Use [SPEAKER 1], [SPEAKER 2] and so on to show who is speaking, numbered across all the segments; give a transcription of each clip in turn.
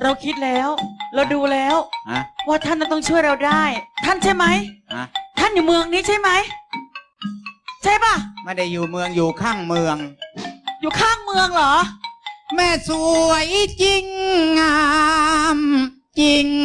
[SPEAKER 1] เราคิดแล้วเราดูแล้วว่าท่านต้องช่วยเราได้ท่านใช่ไหมท่านอยู่เมืองนี้ใช่ไหมใช่ปะ
[SPEAKER 2] ไม่ได้อยู่เมืองอยู่ข้างเมือง
[SPEAKER 1] อยู่ข้างเมืองเหรอ
[SPEAKER 2] แม่สวยจริงงามจริง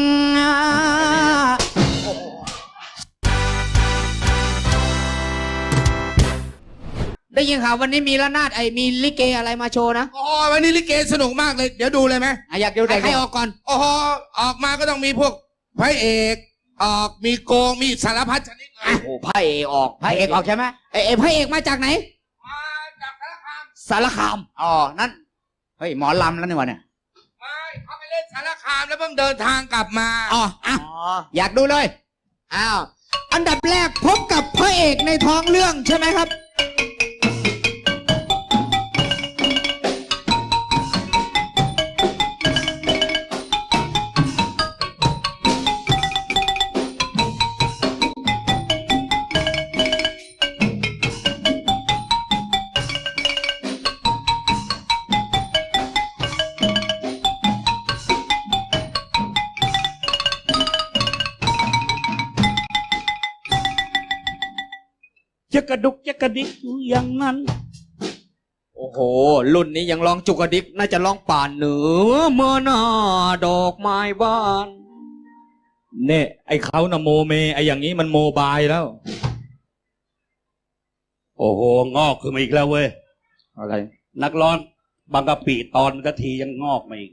[SPEAKER 2] ได้ยินข่าววันนี้มีระนาดมีลิเกอะไรมาโชว์นะ
[SPEAKER 3] อ๋อวันนี้ลิเกสนุกมากเลยเดี๋ยวดูเลยไหม
[SPEAKER 2] อยากดูใครออกก่อน
[SPEAKER 3] อ๋อออกมาก็ต้องมีพวกพระเอกออกมีโกงมีสารพัดชนิดเลย
[SPEAKER 2] โอ้พระเอกออกใช่ไหมพระเอกมาจากไหน
[SPEAKER 3] มาจาก
[SPEAKER 2] สารคามอ๋อนั่นเฮ้ยหมอลำแล้วนี่วะเนี่ย
[SPEAKER 3] ไม่เขาไปเล่นสารคามแล้วเพิ่งเดินทางกลับมา
[SPEAKER 2] อ๋ออยากดูเลยอ้าวอันดับแรกพบกับพระเอกในท้องเรื่องใช่ไหมครับ
[SPEAKER 4] จะกระดุกจะกระดิกอยู่อย่างนั้น
[SPEAKER 2] โอ้โหรุ่นนี้ยังร้องจุกกระดิกน่าจะร้องป่านเหนือเมื่อหน้าดอกไม้บาน
[SPEAKER 4] เนี่ยไอ้เขานะโมเมไอ้อย่างนี้มันโมบายแล้วโอ้โหงอกขึ้นมาอีกแล้วเว้ย
[SPEAKER 2] อะไร
[SPEAKER 4] นักร้องบางกะปิตอนกะทียังงอกมาอีก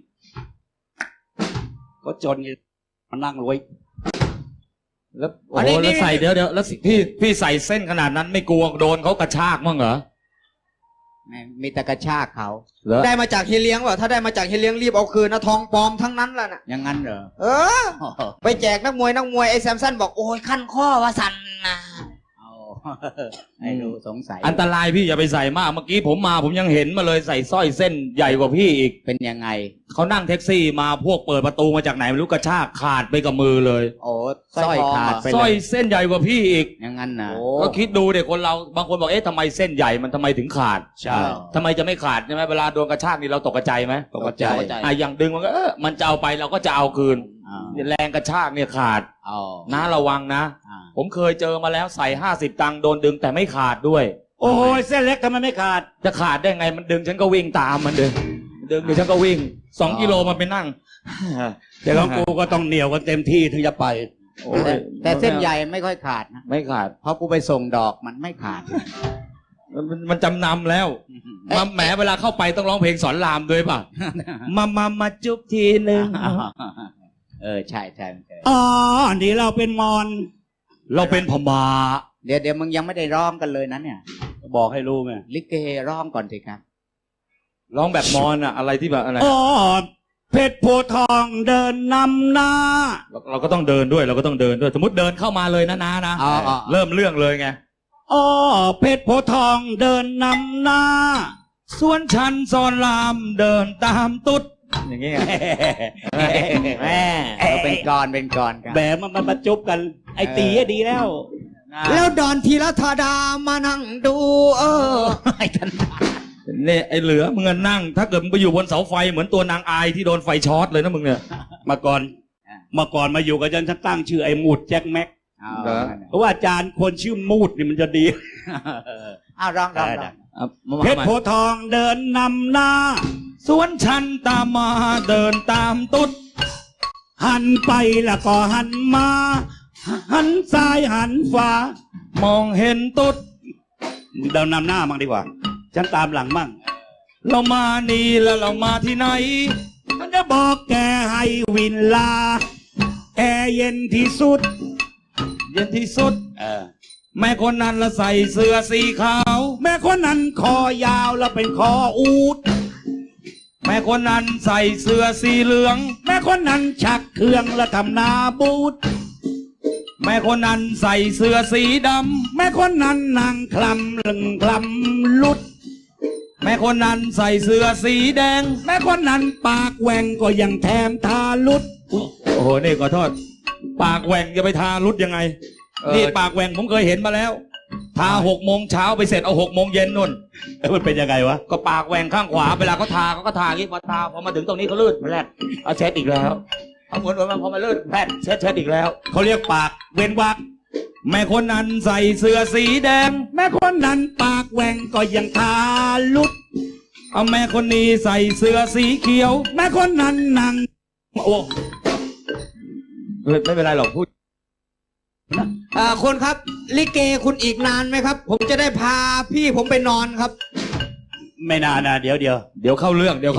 [SPEAKER 4] ก็จนมานั่งรวยแล้วโอ้โหแล้วใส่เดี๋ยวแล้วพี่ใส่เส้นขนาดนั้นไม่กลัวโดนเขากระชากมั้งเหรอ
[SPEAKER 2] มีแต่กระชากเขาได้มาจากเฮียเลี้ยงว่ะถ้าได้มาจากเฮียเลี้ยงรีบเอาคืนนะทองปลอมทั้งนั้นแหละน่ะอย่างนั้นเหรอไปแจกนักมวยไอ้แซมสันบอกโอ้ยขั้นข้อว่าสั่นนะไอ้ดูสงสัย
[SPEAKER 4] อันตรายพี่อย่าไปใส่มากเมื่อกี้ผมยังเห็นมาเลยใส่สร้อยเส้นใหญ่กว่าพี่อีก
[SPEAKER 2] เป็นยังไง
[SPEAKER 4] เขานั่งแท็กซี่มาพวกเปิดประตูมาจากไหนไม่รู้กระชากขาดไปกับมือเลย
[SPEAKER 2] โอ้สร้อยขาดไป
[SPEAKER 4] สร้อยเส้นใหญ่กว่าพี่อีก
[SPEAKER 2] อย่างนั้นนะ
[SPEAKER 4] ก็คิดดูเด็กคนเราบางคนบอกเอ๊ะทำไมเส้นใหญ่มันทำไมถึงขาด
[SPEAKER 2] ใช่
[SPEAKER 4] ทำไมจะไม่ขาดใช่ไหมเวลาโดนกระชากนี่เราตกใจไหม
[SPEAKER 2] ตกใจ
[SPEAKER 4] อย่างดึงมันก็มันจะเอาไปเราก็จะเอาคืนแรงกระชากเนี่ยขาดนะระวังนะผมเคยเจอมาแล้วใส่50 ตังค์โดนดึงแต่ไม่ขาดด้วย
[SPEAKER 2] โอ้ยเส้นเล็กทำไมไม่ขาด
[SPEAKER 4] จะขาดได้ไงมันดึงฉันก็วิ่งตามมันดึงเดี๋ยวฉันก็วิ่ง2 กิโลมันไปนั่ง
[SPEAKER 2] แต่ของกูก็ต้องเหนียวกันเต็มที่ถึงจะไปแต่เส้นใหญ่ไม่ค่อยขาดนะ
[SPEAKER 4] ไม่ขาด
[SPEAKER 2] เพราะกูไปส่งดอกมันไม่ขาด
[SPEAKER 4] มันจำนำแล้วมาแหมเวลาเข้าไปต้องร้องเพลงสอนรามด้วยป่ะมาจุ๊บทีนึง
[SPEAKER 2] ใช่
[SPEAKER 4] อ๋อนี่เราเป็นมอนเราเป็นพม่า
[SPEAKER 2] เดี๋ยวมึงยังไม่ได้ร้องกันเลยนะเนี่ย
[SPEAKER 4] บอกให้รู้ไง
[SPEAKER 2] ลิเกร้องก่อนสิครับ
[SPEAKER 4] ร้องแบบมอนอะอะไรที่แบบอะไร
[SPEAKER 2] อ๋อเพชรโพทองเดินนำหน้า
[SPEAKER 4] เราก็ต้องเดินด้วยสมมติเดินเข้ามาเลยนะเริ่มเรื่องเลยไง
[SPEAKER 2] อ๋อเพชรโพทองเดินนำหน้า
[SPEAKER 4] ส่วนฉันสอนรามเดินตามตุ๊ดอย่างเงี้ย
[SPEAKER 2] แม่เป็นกร
[SPEAKER 4] แบบมันมาจุบกันไอตีดี
[SPEAKER 2] แล้วดอนทีละธาดามานั่งดูไอ้ท่าน
[SPEAKER 4] เนี่ยไอเหลือมึงนั่งถ้าเกิดมึงไปอยู่บนเสาไฟเหมือนตัวนางอายที่โดนไฟช็อตเลยนะมึงเนี่ยมาก่อนมาอยู่กับฉันตั้งชื่อไอ้มูดแจ็คแม็กเพราะว่าอาจารย์คนชื่อมูดนี่มันจะดี
[SPEAKER 2] ร้อง
[SPEAKER 4] เพชรโพทองเดินนำหน้าสวนฉันตามมาเดินตามตุ๊ดหันไปแล้วก็หันมาหันซ้ายหันขวามองเห็นตุ๊ดเดินนำหน้ามั่งดีกว่าฉันตามหลังมั่งเรามานี่แล้วเรามาที่ไหนฉันจะบอกแกให้วินลาแอร์เย็นที่สุดแม่คนนั้นละใส่เสื้อสีขาวแม่คนนั้นคอยาวแล้วเป็นคออูฐแม่คนนั้นใส่เสื้อสีเหลืองแม่คนนั้นชักเครื่องแล้วทำนาบูดแม่คนนั้นใส่เสื้อสีดำแม่คนนั้นนั่งคลำลุดแม่คนนั้นใส่เสื้อสีแดงแม่คนนั้นปากแหว่งก็ยังแถมทาลุดโอ้โหนี่ขอโทษปากแหว่งจะไปทาลุดยังไงนี่ปากแหว่งผมเคยเห็นมาแล้วทา6 โมงเช้าไปเสร็จเอา6 โมงเย็นนู่นมันเป็นยังไงวะก็ปากแหว่งข้างขวาเวลาเขาทาเขาก็ทาอย่างนี้พอทาพอมาถึงตรงนี้เขาลื่นแผลดเอาเช็ดอีกแล้วเอาเหมือนมันพอมาลื่นแผลดเช็ดอีกแล้วเขาเรียกปากเว้นวรรคแม่คนนั้นใส่เสื้อสีแดงแม่คนนั้นปากแหว่งก็ยังทาลุดเอาแม่คนนี้ใส่เสื้อสีเขียวแม่คนนั้นนั่งโอ้ไม่เป็นไรหรอกพูด
[SPEAKER 2] คนครับลิเกคุณอีกนานไหมครับ ผมจะได้พาพี่ผมไปนอนครับ
[SPEAKER 4] ไม่นานนะเดี๋ยวเข้าเรื่องเดี๋ยว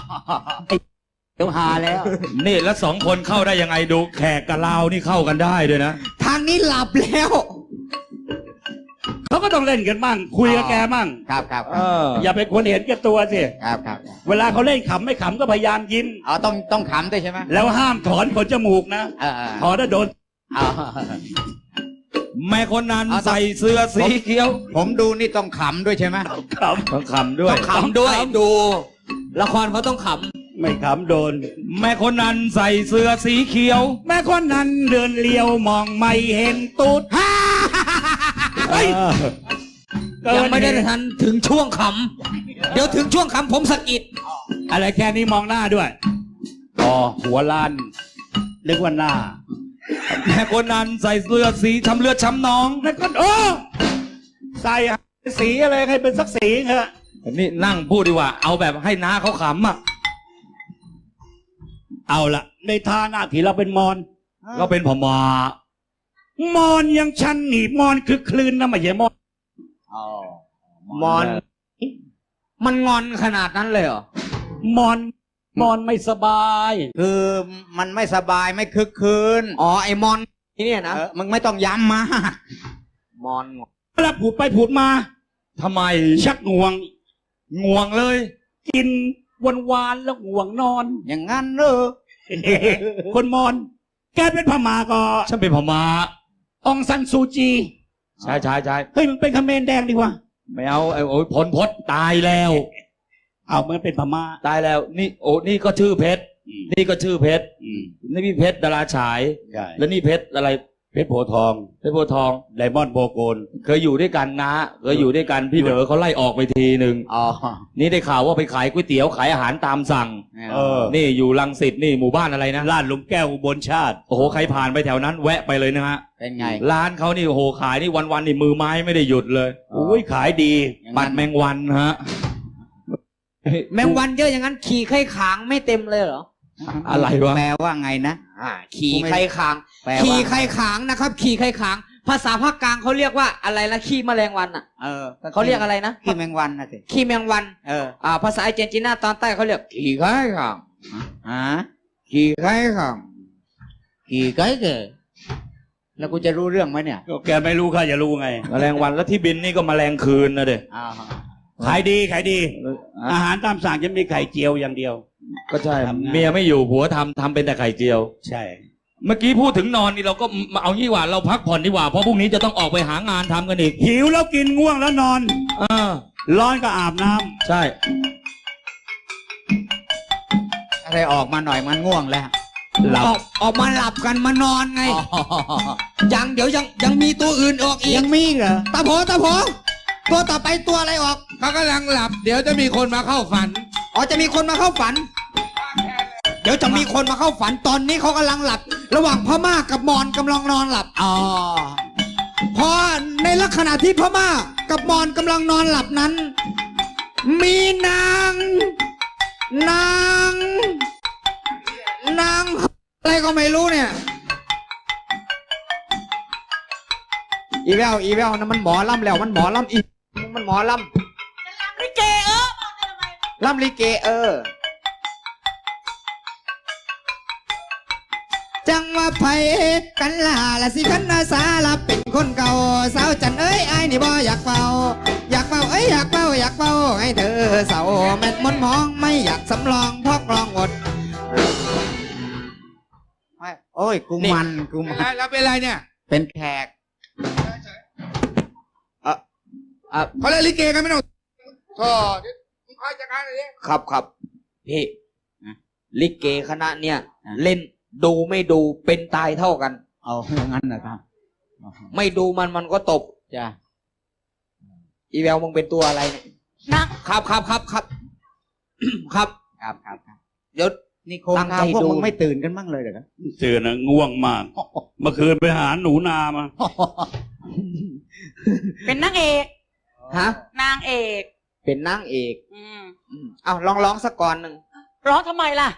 [SPEAKER 4] หาแล้วนี่แล้ว2 คนเข้าได้ยังไงดูแขกกับเรานี่เข้ากันได้ด้วยนะ
[SPEAKER 2] ทางนี้หลับแล้ว
[SPEAKER 4] เขาก็ต้องเล่นกันบ้างคุยกับแกบ้าง
[SPEAKER 2] ครับ
[SPEAKER 4] อย่าเป็นคนเห็นแก่ตัวสิ
[SPEAKER 2] ครับ
[SPEAKER 4] เวลาเขาเล่นขำไม่ขำก็พยายามยิ้ม
[SPEAKER 2] ต้องขำด้วยใช่ไหม
[SPEAKER 4] แล้วห้ามถอนขนจมูกนะถอนแล้วโดนแม่คนนั้นใส่เสื้อสีเขียว
[SPEAKER 2] ผมดูนี่ต้องขำด้วยใช่ไหม
[SPEAKER 4] ต้องขำด้วย
[SPEAKER 2] ต้องขำด้วยดูละครเขาต้องขำ
[SPEAKER 4] ไม่ขำโดนแม่คนนั้นใส่เสื้อสีเขียวแม่คนนั้นเดินเลี้ยวมองไม่เห็นตูด
[SPEAKER 2] ยังไม่ได้ทันถึงช่วงขำเดี๋ยวถึงช่วงขำผมสะกิด
[SPEAKER 4] อะไรแค่นี้มองหน้าด้วยหัวล้านเรียกว่าหน้าแม่คนนั้นใส่เสื้อสีทำเลือดช้ำน้องแล้วก็ใส่สีอะไรให้เป็นสักสีเถอะนี่นั่งพูดดีกว่าเอาแบบให้น้าเขาขำอ่ะเอาละในท่าหน้าที่เราเป็นมอนเราเป็นพม่ามอนยังชันหนีมอนคือคลื่นนะไม่ใช่มอน
[SPEAKER 2] มอนมันงอนขนาดนั้นเลยเหรอ
[SPEAKER 4] มอนไม่สบาย
[SPEAKER 2] คือมันไม่สบายไม่คึกคืนไอมอนที่เนี่ยนะมึงไม่ต้องย้ำมามอน
[SPEAKER 4] เวลาพูดไปพูดมาทำไมชักง่วงเลยกินวานแล้วง่วงนอน
[SPEAKER 2] อย่างงั้นเหรอ
[SPEAKER 4] คนมอนแกเป็นพม่าก็ฉันเป็นพม่าองซันซูจีใช่เฮ้ยมึงเป็นคาเขมรแดงดีกว่าไม่เอาโอ้ยพลตายแล้วเอามันเป็นพม่าตายแล้วนี่นี่ก็ชื่อเพชรนี่ก็ชื่อเพชรนี่พี่เพชรดาราฉายแล้วนี่เพชรอะไรเพชรโพธิ์ทองไดมอนด์โบโกนเคยอยู่ด้วยกันนะเคยอยู่ด้วยกันพี่เด๋อเขาไล่ออกไปทีหนึ่งนี่ได้ข่าวว่าไปขายก๋วยเตี๋ยวขายอาหารตามสั่งนี่อยู่รังสิตนี่หมู่บ้านอะไรนะลาดหลุมแก้วอุบลชาติโอ้โหใครผ่านไปแถวนั้นแวะไปเลยนะฮะ
[SPEAKER 2] เป็นไง
[SPEAKER 4] ร้านเขานี่โอ้โหขายนี่วันนี่มือไม้ไม่ได้หยุดเลยอุ้ยขายดีปัดแมงวันฮะ
[SPEAKER 2] แมงวันเยอะอย่างนั้นขี่ไข่ขางไม่เต็มเลยเหรอ
[SPEAKER 4] อะไรวะ
[SPEAKER 2] แปลว่าไงนะขี่ไข่ขางขี่ไข่ขางนะครับขี่ไข่ขางภาษาภาคกลางเขาเรียกว่าอะไรนะขี้แมลงวันอ่ะเขาเรียกอะไรนะขี้แมงวันนะสิขี้แมงวันภาษาอาร์เจนตินาตอนใต้เขาเรียกขี่ไข่ขางขี่ไข่ขางขี่ไข่เก๋แล้วกูจะรู้เรื่องไหมเนี่ย
[SPEAKER 4] แกไม่รู้ข้าจะรู้ไงแมลงวันแล้วที่บินนี่ก็แมลงคืนนะเด็ขายดีอาหารตามสั่งจะมีไข่เจียวอย่างเดียวก็ใช่เมียไม่อยู่ผัวทำเป็นแต่ไข่เจียวใช่เมื่อกี้พูดถึงนอนนี่เราก็มาเอางี้ว่าเราพักผ่อนดีกว่าเพราะพรุ่งนี้จะต้องออกไปหางานทำกันอีกหิวแล้วกินง่วงแล้วนอนร้อนก็อาบน้ำใช่
[SPEAKER 2] อะไรออกมาหน่อยมันง่วงแล้วออกมาหลับกันมานอนไงยังเดี๋ยวยังมีตัวอื่นออกอีกยังมีเหรอตาโผตัวต่อไปตัวอะไรออก
[SPEAKER 3] เขากำลังหลับเดี๋ยวจะมีคนมาเข้าฝัน
[SPEAKER 2] จะมีคนมาเข้าฝันเดี๋ยวจะมีคนมาเข้าฝันตอนนี้เขากำลังหลับระหว่างพม่ากับมอญกำลังนอนหลับพอในลักษณะที่พม่ากับมอญกำลังนอนหลับนั้นมีนางอะไรก็ไม่รู้เนี่ยอีแววนะมันหมอลำแล้วมันหมอลำอีกมันหมอลำ
[SPEAKER 1] ลิเก
[SPEAKER 2] ลำลิเกจังว่าไผกันล่ะละสิคันนาสาลับเป็นคนเก่าสาวจันเอ้ยไอ้นี่บ่อยากเฝ้าเอ้ยอยากเฝ้าให้เธอเศร้าแม่นมนมองไม่อยากสำรองพอกลองอดโอ้ยกูมัน
[SPEAKER 3] แล้วเป็นไรเนี่ย
[SPEAKER 2] เป็นแขก
[SPEAKER 3] เขาเล่นลิเกกันไม่ต้องมึงคอยจัดการอะไร
[SPEAKER 2] ครับพี่ลิเกคณะเนี่ยเล่นดูไม่ดูเป็นตายเท่ากัน
[SPEAKER 4] เอาอย่างนั้นนะครับ
[SPEAKER 2] ไม่ดูมันก็ตบจ้ะอีแววมึงเป็นตัวอะไรเนี่ย
[SPEAKER 1] นัก
[SPEAKER 2] ครับ ครับ ครับ เดี๋ยว
[SPEAKER 5] นี่โครงการพวกมึงไม่ตื่นกันบ้างเลยเหรอ
[SPEAKER 4] เสือนะง่วงมาก เมื่อคืนไปหาหนูนามา
[SPEAKER 1] เป็นนางเอก
[SPEAKER 2] ฮะ
[SPEAKER 1] นางเอก
[SPEAKER 2] เป็นนางเอก เอาร้องสักก่อนหนึ่ง
[SPEAKER 1] ร้องทำไมล่ะ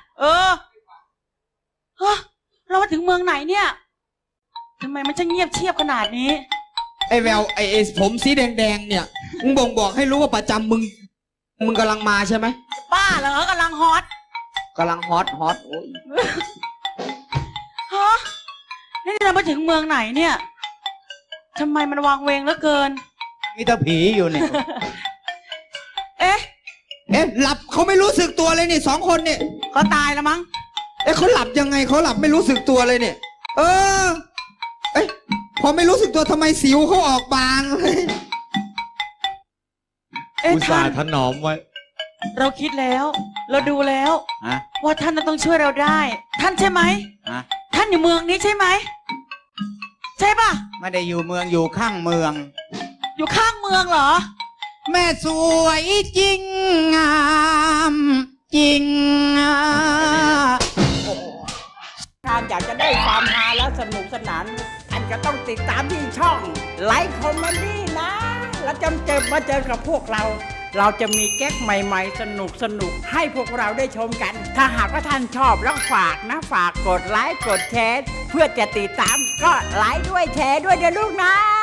[SPEAKER 1] ฮะเรามาถึงเมืองไหนเนี่ยทำไมมันจะเงียบเชียบขนาดนี้
[SPEAKER 2] ไอ้แววไอ้ผมสีแดงๆเนี่ยมึงบ่งบอกให้รู้ว่าประจำมึงกำลังมาใช่ไหม
[SPEAKER 1] ป้าเหรอกำลังฮอต
[SPEAKER 2] กำลังฮอตโอ้ย
[SPEAKER 1] ฮะนี่เรามาถึงเมืองไหนเนี่ยทำไมมันวางเวงเหลือเกิน
[SPEAKER 5] มีแต่ผีอยู่เนี่ย
[SPEAKER 1] เอ๊ะ
[SPEAKER 2] หลับเขาไม่รู้สึกตัวเลยนี่2 คนเนี่ย
[SPEAKER 1] เขาตายแล้วมั้ง
[SPEAKER 2] เขาหลับยังไงเขาหลับไม่รู้สึกตัวเลยเนี่ย พอไม่รู้สึกตัวทำไมสิวเขาออกบางเลย
[SPEAKER 4] อุตส่าห์ถนอมไว้
[SPEAKER 1] เราคิดแล้ว เราดูแล้วว่าท่านน่ะต้องช่วยเราได้ ท่านใช่ไหมท่านอยู่เมืองนี้ใช่ไหมใช่ปะ
[SPEAKER 5] ไม่ได้อยู่เมืองอยู่ข้างเมือง
[SPEAKER 1] อยู่ข้างเมืองเหรอ
[SPEAKER 5] แม่สวยจริงงามจริง
[SPEAKER 6] ท่านอยากจะได้ความฮาและสนุกสนานท่านก็ต้องติดตามที่ช่องไลค์คอมเมดี้นะ แล้วจะมาเจอกับพวกเรา เราจะมีแก๊กใหม่ๆ สนุกให้พวกเราได้ชมกัน ถ้าหากว่าท่านชอบแล้วฝากกดไลค์กดแชร์เพื่อจะติดตามก็ไลค์ด้วยแชร์ด้วยเดี๋ยวลูกนะ